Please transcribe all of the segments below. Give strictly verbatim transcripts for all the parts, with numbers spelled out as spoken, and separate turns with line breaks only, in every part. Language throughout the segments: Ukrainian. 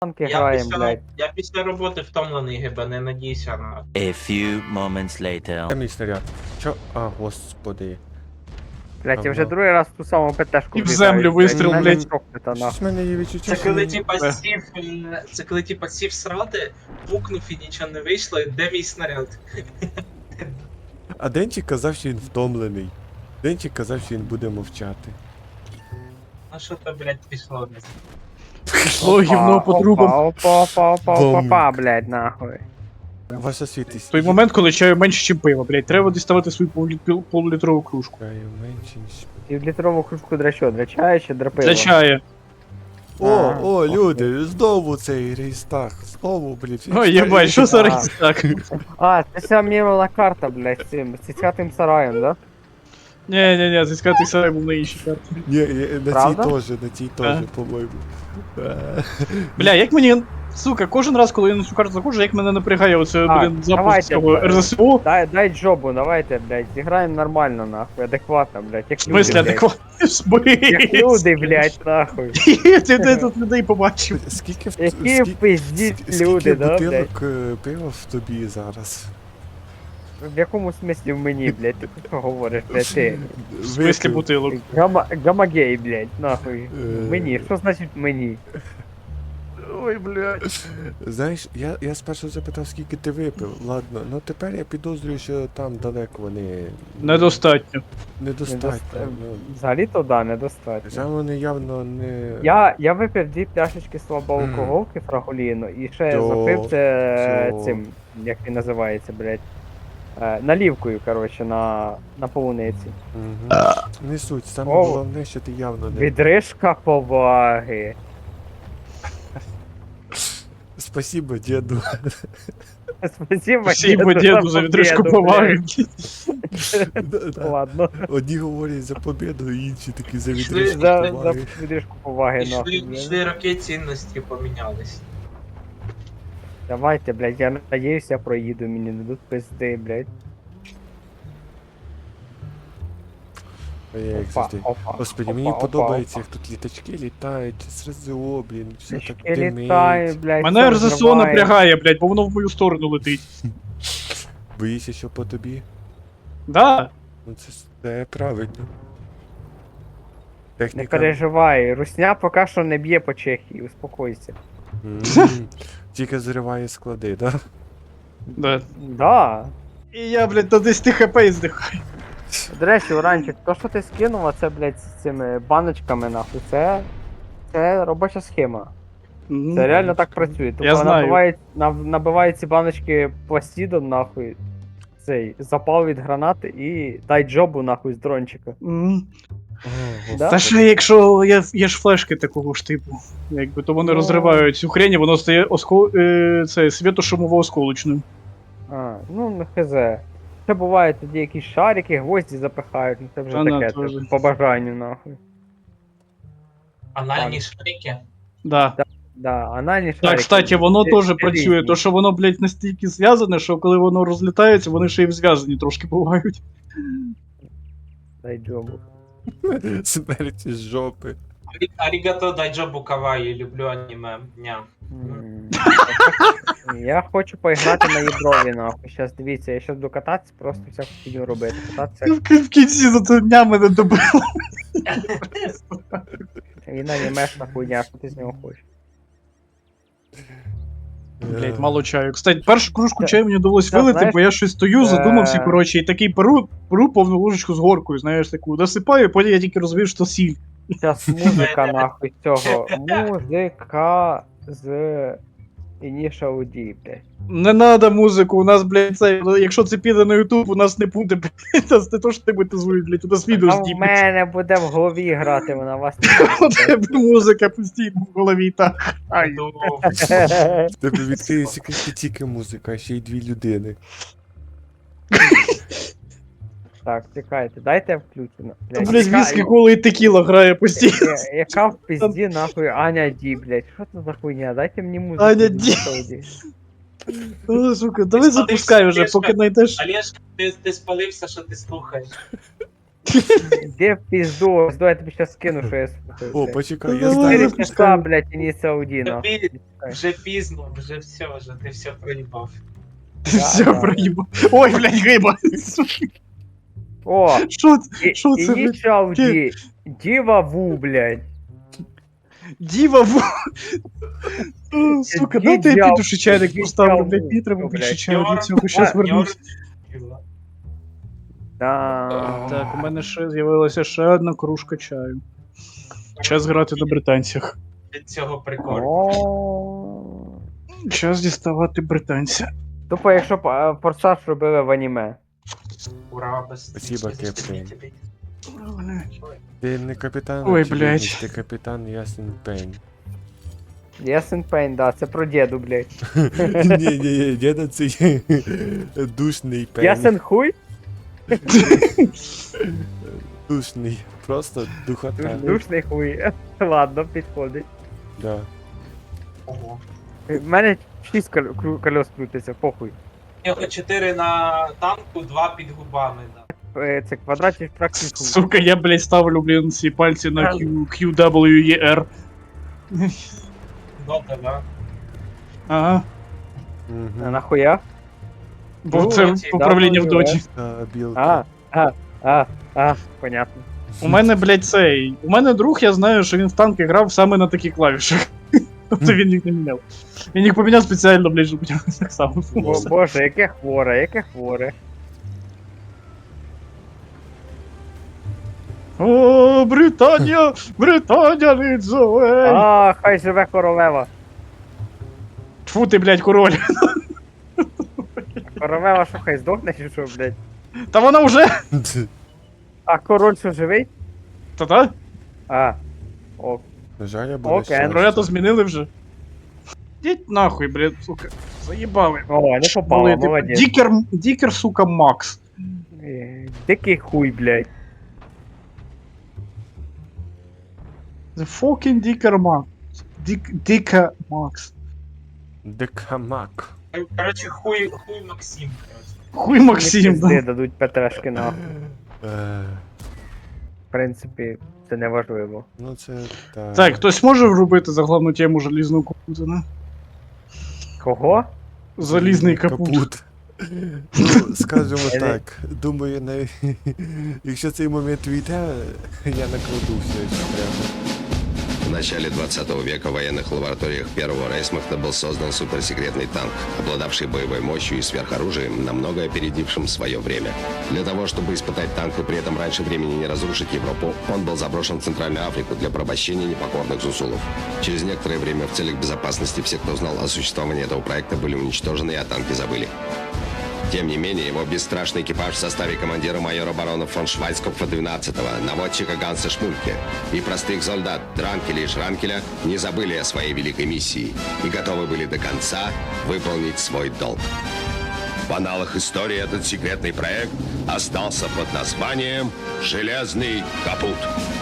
танки
Я
граємо,
після,
блядь.
я після роботи втомлений, гиба, не надійся на.
A few moments later.
Де мій снаряд? Чо? А, господи.
Блядь, я вже
Ага.
другий раз в ту саму ПТшку
І в землю вистріл,
Мене
блядь.
проклята, нахуй.
Щось в мене є відчуття,
Це
що
коли
мені-
типа
Е.
сів, е, це коли типа сів срати, пукнув і нічого не вийшло, і де мій снаряд?
А Денчик казав, що він втомлений. Денчик казав, що він буде мовчати.
Ну що то, блядь, пішло?
Пішло гівно по трубам.
Опа, опа, опа, опа,
Бомб.
опа, блядь, нахуй.
Ваша світість.
В той момент, коли чаю менше, ніж пиво, блядь, треба діставати свою полу- полулітрову кружку.
Чаю менше, ніж...
Півлітрову кружку для що? Для чаю чи для пива?
Для чаю.
О,
А,
о,
окей.
люди, знову цей рейстаг. Знову, блядь.
Ой, єбать, що за
А.
рейс так?
А, це вся мірила карта, блядь, з цим, з цятим сараєм, да?
Ні, ні, ні, зіскати сарай був на іншій карті.
Ні, ні, на цій
Правда?
теж, на цій теж,
А.
по-моєму. Е.
Бля, як мені, сука, кожен раз, коли я на цю карту заходжу, як мене напрягає оце,
Так,
блін, запуск
давайте,
цього
давай.
РЗСО. В
Дай, дай джобу, давайте, блядь, зіграємо нормально, нахуй, адекватно, блядь, як люди,
смислі
блядь.
адекватно
Як
збить.
люди, блядь, нахуй.
Ти де тут людей побачив?
Скільки в
Які
скільки-
пиздіть
скільки
люди, да, блядь?
бутилок е, пива в тобі зараз?
В якому смислі в мені, блядь, ти про що говориш, блядь, ти?
В смислі
Випив.
бутилок.
Гама, гамагей, блядь, нахуй.
Е.
Мені, що значить мені?
Ой, блядь.
Знаєш, я, я спершу запитав, скільки ти випив. Ладно, ну тепер я підозрюю, що там далеко вони
Недостатньо.
недостатньо.
Недоста-
Ну,
Взагалі-то да, недостатньо.
вже вони явно не.
Я, я випив дві пляшечки слабоалкоголки фрагуліну і ще
То-
запив це
то-
цим, як він називається, блядь. Е, налівкою, коротше, на, на полуниці.
Угу. Не суть, саме
О.
головне, що ти явно не.
Відрижка поваги.
Спасибо, діду.
Спасибо,
Спасибо, діду, за відрижку
победу,
поваги.
блядь.
Да-да.
Ладно.
Одні говорять за побіду, інші такі за
Пішли,
відрижку
За, за
поваги.
відрижку поваги,
Пішли,
нахуй, блядь.
пішли роки цінності помінялись.
Давайте, блядь, я надіюсь, я проїду, мені не дадуть пизди, блядь.
Ой, як
Опа,
завжди.
опа,
Господи,
опа,
мені
опа,
подобається,
опа.
як тут літачки літають, з РЗО, блін, все так
Трішки літаю,
димить.
блядь.
Мене
все
РЗСО
розриває.
напрягає, блядь, бо воно в мою сторону летить.
Боїшся, що по тобі?
Да.
Ну це, це правильно.
Не
Техніка.
переживай, русня поки що не б'є по Чехії, успокойся.
М, Тільки зриває склади, да?
Да.
Да.
І я, блядь, до десяти хп і здихаю.
До речі, Уранчик, то, що ти скинув, а це, блядь, з цими баночками, нахуй, це. Це робоча схема. Це реально так працює. Тобто
Я знаю.
набивають, нав- набивають ці баночки пластидом, нахуй. Цей запал від гранати і дай джобу, нахуй, з дрончика.
М.
О,
Да?
Та ще якщо є, є ж флешки такого ж типу, якби то вони
Ну.
розривають цю хрень, і воно стає оско... е, це, світошумово-осколочним.
А, ну не хз. Це буває тоді якісь шарики, гвозді запихають, ну це вже
Та на,
таке,
теж.
це по бажанню, нахуй.
Анальні шарики.
Да.
Да, анальні шарики.
Так, кстати, воно
Це-
теж
це
працює,
різні.
то що воно, блядь, настільки зв'язане, що коли воно розлітається, вони ще й зв'язані трошки бувають.
Дай джобу.
Смерть з жопи.
Арі- Арігато дайджобу каваї, люблю аніме. Ня.
М, Я хочу поіграти на ядрові, нахуй. Щас дивіться, я щас буду кататися, просто всяку фігню робити. Кататися
В кінці за це дня мене добило.
і на анімешна хуйня, що ти з нього хочеш.
Блять, мало чаю. Кстати, першу кружку
Та-
чаю мені довелось
та,
вилити,
знаєш,
бо я щось стою, задумався,
е,
коротше, і такий перу, перу повну ложечку з горкою, знаєш, таку насипаю, потім я тільки розумію, що сіль.
Зараз музика, нахуй, цього. Музика з Initial D, блядь.
Не надо музику, у нас, блядь, це, ну, якщо це піде на Ютуб, у нас не буде, блядь, нас не то, що тебе тазують, блядь, у нас відео
А в
знімуть.
мене буде в голові грати, вона вас
У тебе музика постійно в голові, так. Ай.
Ну,
не
В тебе відкриється не тільки музика, а ще й дві людини.
Так, чекайте, дайте я включу. на-
Та,
блядь,
блядь,
яка-
віскі, кола і текіла грає постійно.
я- Яка в пизді, нахуй, Аня Ді, блядь. Що це за хуйня? Дайте мені музику.
Аня
з
Ді.
Initial D.
О, сука, давай запускай вже, поки знайдеш.
Олежка, ти, ти спалився, що ти слухаєш.
Де в пізду, ось давай я тобі щас скину, що я слухаю.
О,
блядь.
почекай, я
Давай,
знаю.
Чотири
запускай.
часа, блядь, і не Саудіна.
Тобі вже пізно, вже все, вже ти все проїбав.
Ти
Да,
все
да.
проїбав. Ой, блядь, гриба.
О,
Що це?
і-
Що це, блядь?
Initial D. Діва Ву, блядь.
Діва в... О, Сука, дайте я
Дідя-
піду ще чайник
дідя
поставлю,
в-
блядь, мені треба
О,
більше
блядь.
чаю для цього, щас вернусь.
Да.
Так, у мене ще з'явилася ще одна кружка чаю. Час грати на британцях.
Від цього прикольно.
О.
Час діставати британця.
Тупо, якщо б е, форсаж робили в аніме.
Ура, без
Спасибо, Кеприн. Ти не капітан,
Ой,
очевидність,
блядь.
ти капітан Ясен Пень.
Ясен Пейн, да, це про діду, блядь.
Ні, ні, ні, діда це є душний пень.
Ясен хуй?
Душний. Просто духота.
Душ- Душний хуй. Ладно, підходить.
Да.
Ого.
В мене шість кол- кру- кольос крутиться, похуй.
У нього чотири на танку, два під губами. Да.
Е, Це квадратів практику.
Сука, я, блядь, ставлю, блін, ці пальці на Q, Q W E R.
Дота, да.
Ага.
А
Угу.
нахуя?
Бо
Ну,
це
оці,
управління в
да,
доті.
А, білка.
А, а, а, а, понятно.
У мене, блядь, цей. У мене друг, я знаю, що він в танки грав саме на таких клавішах. Тобто він їх не міняв. Він їх поміняв спеціально, блядь, щоб у нього так само
Бо,
було.
боже, яке хворе, яке хворе.
О, Британія! Британія Лідзоей!
А, хай живе королева.
Тьфу ти, блядь, король.
Королева що, хай здохне чи що, блядь?
Та вона вже.
А король що живий?
Та-та?
А. О,
На жаль, я буду
Окей,
щастя.
Короля то змінили вже. Діть нахуй, блядь, сука. Заїбали.
о, не попало,
Були, типу,
молодець.
Дікер, дікер, сука, Макс.
Е, Дикий хуй, блядь.
The fucking Dicker Max. Дік, Dicker Max.
Декамак.
Коротше, хуй, хуй Максим, коротше.
Хуй Максим,
Пизди
да.
дадуть Петрашки нахуй.
Е,
В принципі, це не важливо.
Ну це так.
Так, хтось може вробити за головну тему залізного капута, не?
Кого?
Залізний капут.
Ну, скажімо
Е,
так, думаю, на... якщо цей момент війде, я накладу все, що треба.
В начале двадцатого века в военных лабораториях Первого Рейхсмахта был создан суперсекретный танк, обладавший боевой мощью и сверхоружием, намного опередившим свое время. Для того, чтобы испытать танк и при этом раньше времени не разрушить Европу, он был заброшен в Центральную Африку для порабощения непокорных зусулов. Через некоторое время в целях безопасности все, кто знал о существовании этого проекта, были уничтожены и о танке забыли. Тем не менее, его бесстрашный экипаж в составе командира майора барона фон Швайцкопфа двенадцатого, наводчика Ганса Шмульке и простых солдат Дранкеля и Шранкеля не забыли о своей великой миссии и готовы были до конца выполнить свой долг. В аналах истории этот секретный проект остался под названием «Железный капут».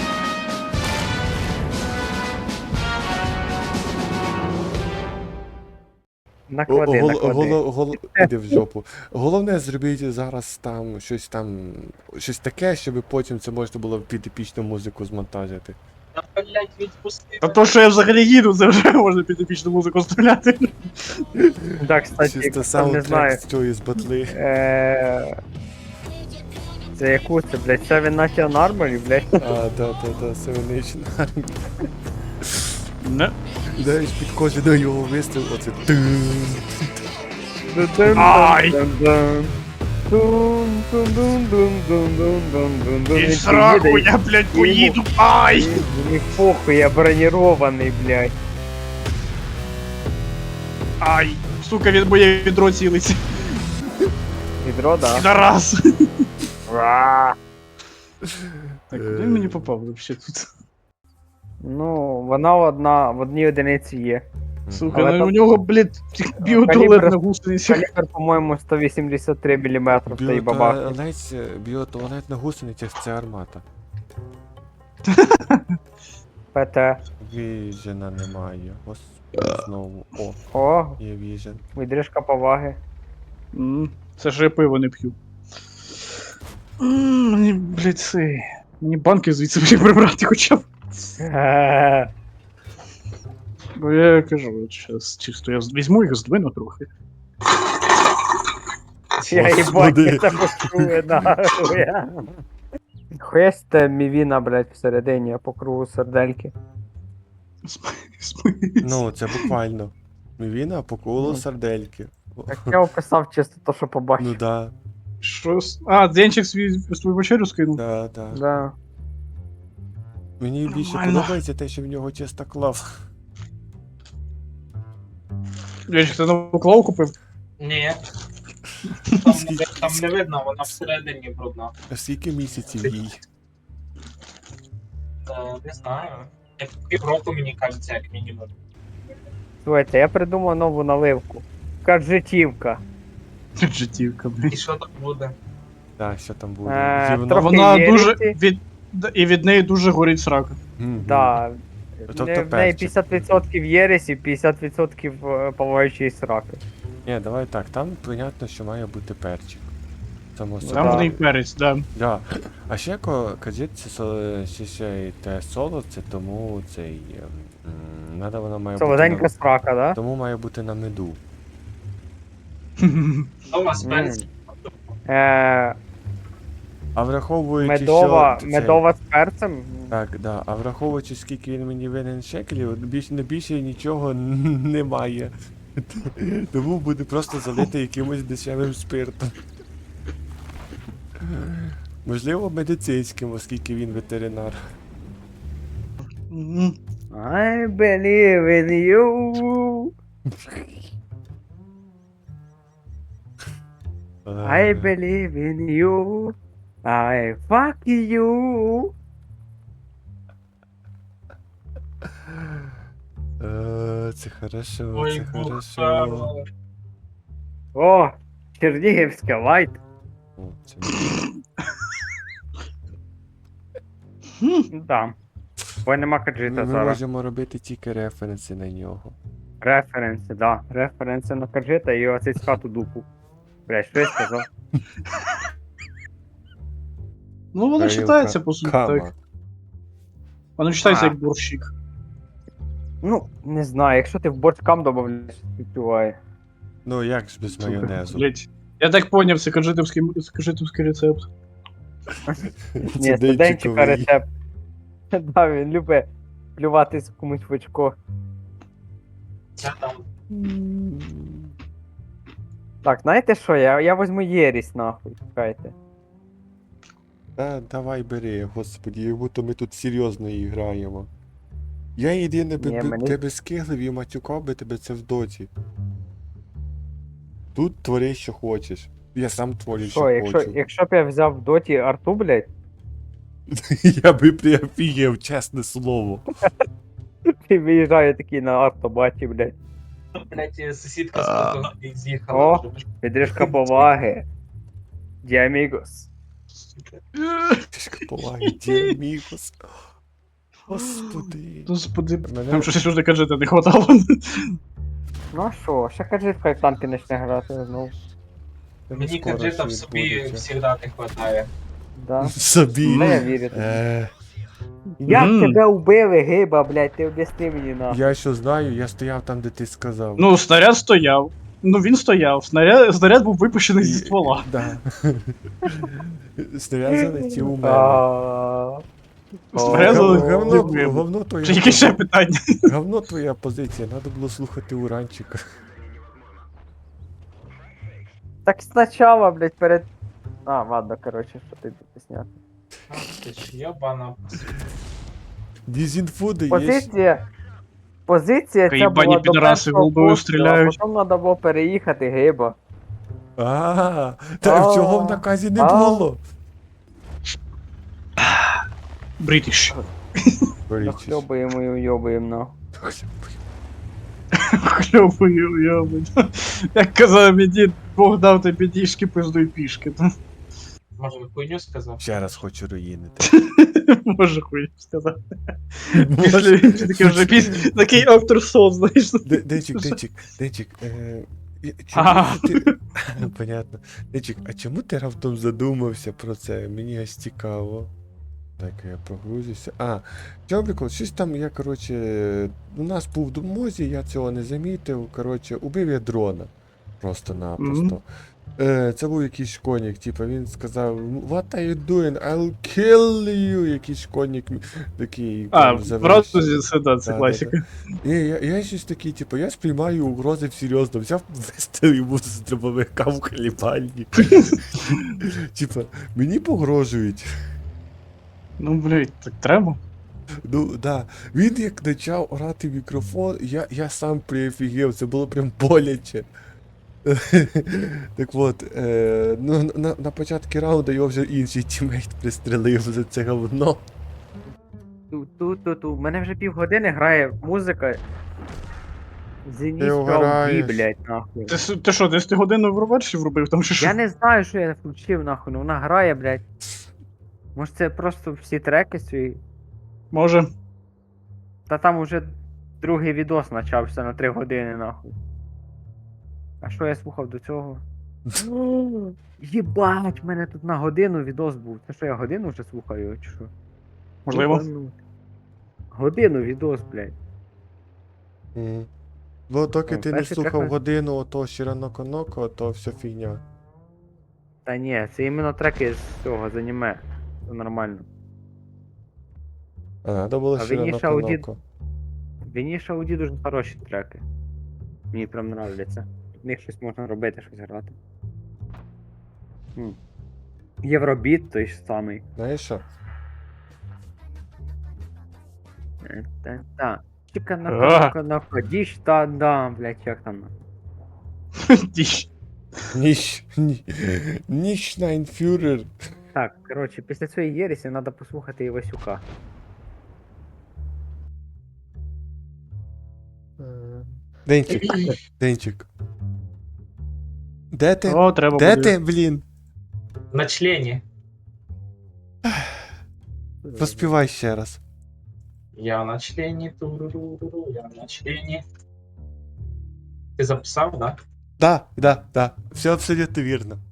Наклади,
Гол-
наклади.
голо- гол- Іди в жопу. Головне зробіть зараз там щось там, щось таке, щоб потім це можна було під епічну музику змонтажити.
Та, блядь, відпусти.
Та то, що я взагалі їду, це вже можна під епічну музику стріляти.
Так, кстати,
Чисто
хто там не знає.
саундтрек з цієї з батли.
Е, Це яку це, блядь, Seven Nation Armory, блядь.
А, да, да, да, Seven Nation Army.
Не.
Знаєш, під кожен його вистріл, оце тун.
Ай! І сраку, я, блядь, поїду. Ай!
Мені похуй, я бронірований, блядь.
Ай! Сука, від моє відро цілиться.
Відро, да.
Підарас.
Ра.
Так, куди він мені попав вообще тут?
Ну, вона одна, в одній одиниці є.
Сука,
Але
ну
там-
у нього, блядь, біотуалет на гусеницях.
Калібр, по-моєму, сто вісімдесят три мм стоїть бабах.
Біотуалет, біотуалет на гусеницях це армата.
ПТ.
Віжена немає. Господи, знову. О,
О,
є віжен.
відрижка поваги.
М, Це ж я пиво не п'ю. М, Мені, блядь, це... Мені банки звідси блядь, прибрати хоча б.
Е,
Бо я кажу, зараз чисто я візьму їх, здвину трохи.
Я їбать,
Господи.
я це почує, нахуй. Хуєсте мівіна, блядь, всередині, по кругу сердельки.
Ну, це буквально. Мівіна по колу
Ну.
сардельки.
Так я описав чисто то, що
Ну
побачив.
да,
Що? с- А, Денчик свій свою вечерю скинув?
да, да.
Да.
Мені більше
Нормально.
подобається те, що в нього чиста клав.
Денчик, ти нову клаву купив?
Ні. Там, не- там не видно, вона всередині брудна.
А скільки місяців їй?
Е, не знаю. Як півроку, мені кажеться, як мінімум.
Слухайте, я придумав нову наливку. Каджетівка.
Життівка, блядь.
І що там буде?
Так, що там буде?
Е,
Гівно?
трохи
Вона
є
дуже
різні.
від... д- І від неї дуже горить срака.
Мгм.
Да.
Тобто
Не- в неї
перчик.
п'ятдесят відсотків єресів, п'ятдесят відсотків е, палаючої сраки.
Ні, давай так, там понятно, що має бути перчик. Само
Ну,
Там
собою.
в неї перець, да.
Да. А ще ко кажіть, це со- ще, ще й те соло, це тому цей. м, Надо вона має бути.
Солоденька
На,
срака, да?
тому має бути на меду.
Що у вас
М.
перець?
Е,
А враховуючи,
медова,
що. цей-
медова з перцем.
Так, да. А враховуючи, скільки він мені винен шекелів, більш, не більше нічого немає. Тому буде просто залити якимось дешевим спиртом. Можливо, медицинським, оскільки він ветеринар.
Мгм.
I believe in you. I believe in you. I fuck you.
Е, Це хорошо,
Ой,
це хорошо.
бухало.
О, Чернігівське лайт.
О, це
Ну там. Бо нема
Ми,
каджита
ми
зараз.
можемо робити тільки референси на нього.
Референси, да. Референси на каджита і оцей хату дупу. Блядь, що я сказав?
Ну, воно
Тарілка
читається, по суті,
Кама.
так. Воно читається
А.
як борщик.
Ну, не знаю, якщо ти в борщ кам додаєш, співчуває.
Ну як ж без майонезу?
Блять. Я так поняв, це кажитовський, кажитовський рецепт.
Ні, студентчика рецепт. Да, він любить плюватись комусь в очко.
Це там.
Так, знаєте що, я, я возьму єрість нахуй, чекайте.
Та давай бери, господі, як будто ми тут серйозно і граємо. Я єдине би
Ні,
би
мені-
тебе скиглив і матюкав би тебе це в доті. Тут твори, що хочеш. Я сам творю, що,
Що, якщо,
хочу.
якщо б я взяв в доті арту, блядь,
Я би приофігів, чесне слово.
і виїжджаю такий на автобаті, блядь.
Блять, сусідка з боку з'їхала.
О. Підрижка поваги. Діамігос.
Трішки поваги, діамігос. Господи.
Господи,
Мене-
там щось уже кажете, не хватало.
Ну а що, ще кажи, хай в танки почне грати знову.
Мені
Скоро
каджита в
ще
собі
відбудеться.
завжди не вистачає.
Да.
Собі.
Ну, я вірю тобі.
Е,
Як
Мгм.
тебе вбили, гиба, блядь, ти об'ясни мені нахуй.
я що знаю, я стояв там, де ти сказав.
Ну, снаряд стояв. Ну він стояв. Снаряд, снаряд був випущений зі
І-
ствола.
Да. Снаряд залетів у мене.
А,
Снаряд
О,
Говно,
залетів.
говно,
вибух.
говно твоя
Чи яке ще питання?
говно твоя позиція, треба було слухати уранчика.
Так спочатку, блядь, перед... А, ладно, короче, що ти тут сняти.
Ах ти ж йобана.
Дізінфо даєш.
Позиція... Позиція ця
Їбані
була до
підараси
першого
голдою
пострілу,
стріляють.
а потім треба було переїхати, гиба.
А, та
А,
чого в наказі не
а.
було?
Бритіш.
Нахльобуємо і уйобуємо, нахуй.
Хльобую, йобую. Як казав мій дід, Бог дав тобі діжки, пиздуй пішки.
Може, хуйню сказав?
Ще раз хочу руїнити.
Може хуй сказати. Після такий вже піс... такий автор сон, знаєш.
Де- Денчик, денчик, денчик, е, Я- Чому
Ага.
ти... Понятно. Денчик, а чому ти раптом задумався про це? Мені аж цікаво. Так, я прогрузився. А, чого прикол? Щось там я, коротше, у нас був в домозі, я цього не замітив. Коротше, убив я дрона. Просто-напросто.
Мгм.
Е, це був якийсь школьник, типу, він сказав, what are you doing? I'll kill you. Якийсь школьник такий.
А,
прям завелич-
правда, це, да, це
Да,
класика.
Ні, я, я щось такий, типу, я сприймаю угрози всерйозно. Взяв вистріл йому з дробовика в хлібальник. Типа, мені погрожують.
Ну, блядь, так треба.
Ну, да. Він як почав орати в мікрофон, я, я сам приофігів, це було прям боляче. Так от, е, ну, на, на початку раунду його вже інший тімейт пристрелив за це говно.
Ту-ту-ту-ту. У мене вже півгодини грає музика. Зеніс
Ти
Ауді,
угораєш.
блядь, нахуй.
Ти, с- ти що, десять годину в Overwatch врубив там чи що?
Я не знаю, що я включив, нахуй, ну вона грає, блядь. Може це просто всі треки свої.
Може.
Та там уже другий відос почався на три години, нахуй. А що я слухав до цього? Єбать, в мене тут на годину відос був. Це що я годину вже слухаю, чи що?
Можливо.
Єбануть. Годину відос, блядь.
Мгм. Бо доки
Ну,
ти не
перший
слухав
трек-
годину ото Шираноко-Ноко, то все фігня.
Та ні, це іменно треки з цього, з аніме. Це нормально.
А надо було
А Вініша Ауді-
Шираноко-Ноко.
Вініша Ауді дуже хороші треки. Мені прям нравляться. В них щось можна робити, щось грати. М. Євробіт той ж самий.
Знаєш що?
Е, Та, та. Чіка на
А.
кока на ходіш, та да, блять, як там.
Діч.
Ніч, ні, ніч Найнфюрер.
Так, коротше, після цієї єресі треба послухати Івасюка.
Денчик, Денчик. Де ти?
О, треба
Де
буде.
ти, блін?
На члені.
Поспівай ще раз.
Я на члені, туруруру, я на члені. Ти записав, так?
Да, да, да. Все абсолютно вірно.